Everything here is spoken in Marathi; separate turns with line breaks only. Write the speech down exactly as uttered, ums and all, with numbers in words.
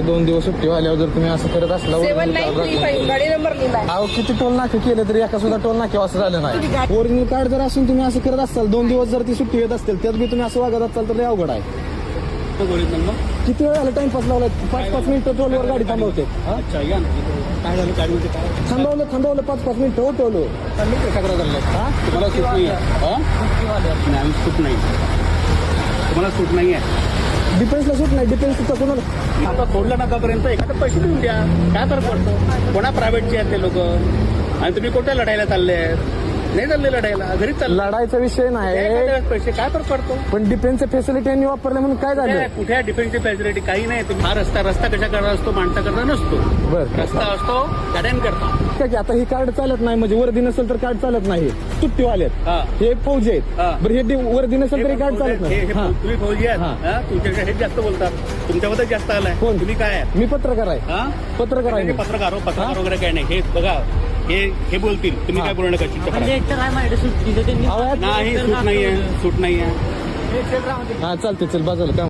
दोन दिवस सुट्टी आल्यावर जर तुम्ही असं करत असला
सेवन नाईन थ्री फाईव्ह गाडी नंबर लिहिलाय.
अहो किती टोल नाके केले तरी एका सुद्धा टोल नाके असं झालं नाही. ओरिजिनल कार्ड जर असून तुम्ही असं करत असाल दोन दिवस जर ती सुट्टी येत असतील त्यात बी तुम्ही असं वागत असाल तर ते अवघड आहे. किती वेळ झालं टाइमपास लावलाय. पाच पाच मिनिटं टोलवर गाडी थांबवते.
अच्छा या ना काय झालं गाडीमध्ये काय
थांबवलं थांबवलं पाच पाच मिनिटं उठवलं.
तक्रार झाली हा तुम्हाला सूट नाही आहे हा नाही सूट नाही तुम्हाला सूट नाही आहे.
डिफेन्सला सूट नाही. डिफेन्सचा कोणाला
आता सोडलं नकापर्यंत एखादं पैसे देऊन द्या काय फरक पडतो. कोणा प्रायव्हेटचे आहेत ते लोक आणि तुम्ही कुठे लढायला चालले आहेत. नाही चालले लढायला घरीच चाललं.
लढायचा विषय नाही
पैसे काय फरक पडतो.
पण डिफेन्सच्या फॅसिलिटी यांनी वापरल्या म्हणून काय झालं.
कुठे डिफेन्सची फॅसिलिटी काही नाही. तुम्ही हा रस्ता रस्ता कशा करता असतो माणसाकरता नसतो.
बरं
रस्ता असतो गाड्यांकरता.
ठीक आहे आता ही कार्ड चालत नाही म्हणजे वर्दी नसेल तर कार्ड चालत नाही. सुट्टीवाले
हा.
आहेत हे फौजी आहेत.
हा.
बरं हे डि- वर्दी नसेल तरी कार्ड चालत
हे-
नाही.
हे-
हा.
तुम्ही फौजी
हा.
आहात हा? तुमच्याकडे हेच जास्त बोलतात. तुमच्याबद्दल जास्त आलाय.
कोण?
तुम्ही काय आहे
मी पत्रकार आहे.
हा?
पत्रकार आहे
हे
मी.
पत्रकार हो, पत्रकार वगैरे काय नाही. हे बघा हे हे बोलतील तुम्ही
हा.
काय बोलू नका चिंता
म्हणजे
करा.
एक तर काय माहिती सुट्टी
अहो,
नाही सूट नाहीये सूट नाहीये.
हा चालते चल बाजूला काम